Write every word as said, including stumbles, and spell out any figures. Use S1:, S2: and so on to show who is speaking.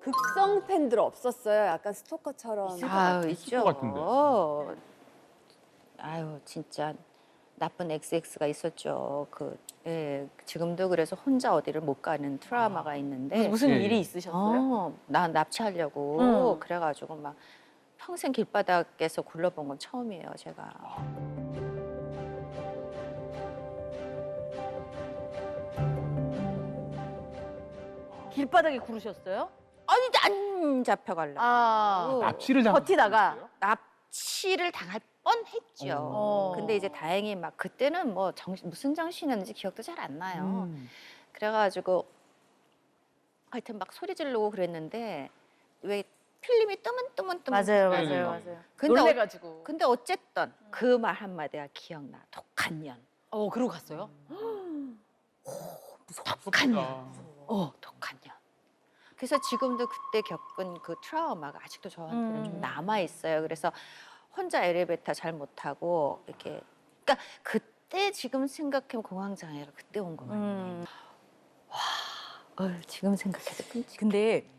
S1: 극성 팬들 없었어요? 약간 스토커처럼.
S2: 아유,
S3: 있을
S2: 있죠.
S3: 것 같은데.
S2: 아유, 진짜 나쁜 엑스엑스가 있었죠. 그, 예, 지금도 그래서 혼자 어디를 못 가는 트라우마가 있는데.
S4: 무슨
S3: 예,
S4: 일이
S3: 예.
S4: 있으셨어요?
S2: 어, 나 납치하려고
S4: 응.
S2: 그래가지고 막 평생 길바닥에서 굴러본 건 처음이에요, 제가.
S4: 길바닥에 구르셨어요?
S2: 아니, 안 잡혀가려고.
S4: 아,
S3: 납치를 당.
S4: 버티다가.
S2: 납치를 당할 뻔했죠.
S4: 어.
S2: 근데 이제 다행히 막 그때는 뭐 정신, 무슨 정신이었는지 기억도 잘 안 나요.
S3: 음.
S2: 그래가지고 하여튼 막 소리 지르고 그랬는데 왜 필름이 뜨문뜨문뜨문.
S4: 맞아요,
S3: 네, 네.
S4: 맞아요, 맞아요.
S2: 근데, 어,
S4: 놀래가지고.
S2: 근데 어쨌든 그 말 한마디가 기억나. 독한 년.
S4: 어, 그러고 갔어요?
S2: 독한 년. 어, 독한 년. 그래서 지금도 그때 겪은 그 트라우마가 아직도 저한테는
S4: 음.
S2: 좀 남아 있어요. 그래서 혼자 엘리베이터 잘 못 타고 이렇게, 그러니까 그때 지금 생각해보면 공황 장애가 그때 온 거 같아요.
S4: 음.
S2: 어, 지금 생각해도 끔찍.
S4: 근데